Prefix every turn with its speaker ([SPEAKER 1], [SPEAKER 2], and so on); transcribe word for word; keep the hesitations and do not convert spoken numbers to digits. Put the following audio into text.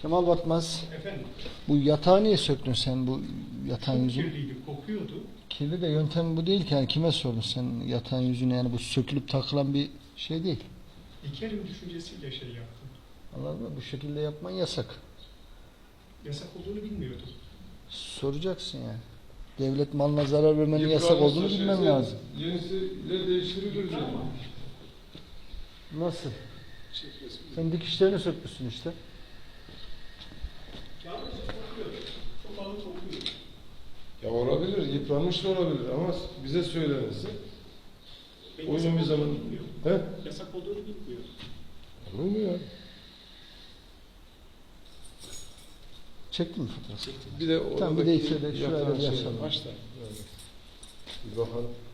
[SPEAKER 1] Kemal Batmaz,
[SPEAKER 2] Efendim?
[SPEAKER 1] bu yatağı niye söktün sen, bu yatağın
[SPEAKER 2] Çok
[SPEAKER 1] yüzünü?
[SPEAKER 2] kirliydi, kokuyordu.
[SPEAKER 1] Kirli de yöntem bu değil ki, yani kime sordun sen yatağın yüzünü, yani bu sökülüp takılan bir şey değil.
[SPEAKER 2] İlkerim düşüncesiyle şey yaptım.
[SPEAKER 1] Anladın mı? Bu şekilde yapman yasak.
[SPEAKER 2] Yasak olduğunu bilmiyordum.
[SPEAKER 1] Soracaksın yani. Devlet malına zarar vermenin yasak
[SPEAKER 3] Yıpranmışsa
[SPEAKER 1] olduğunu bilmen
[SPEAKER 3] şeyse,
[SPEAKER 1] lazım.
[SPEAKER 3] Yenisiyle değiştirilir zaten.
[SPEAKER 1] Nasıl? Sen dikişlerini sökmüşsün işte.
[SPEAKER 2] Yalnızca kokuyor. Çok ağır kokuyor.
[SPEAKER 3] Ya olabilir, yıpranmış da olabilir ama bize söylenirse
[SPEAKER 2] Ben
[SPEAKER 3] uygun
[SPEAKER 2] yasak
[SPEAKER 3] bir zaman...
[SPEAKER 2] olduğunu bilmiyorum.
[SPEAKER 3] He?
[SPEAKER 2] Yasak olduğunu bilmiyorum.
[SPEAKER 3] Olur mu ya?
[SPEAKER 1] Çektin mi fotoğrafı?
[SPEAKER 3] Bir de
[SPEAKER 1] Tamam, bir de
[SPEAKER 3] oradaki
[SPEAKER 1] şöyle şuraya
[SPEAKER 3] yatan
[SPEAKER 1] bir
[SPEAKER 3] şey
[SPEAKER 1] açalım.
[SPEAKER 3] başla. Bir bakalım.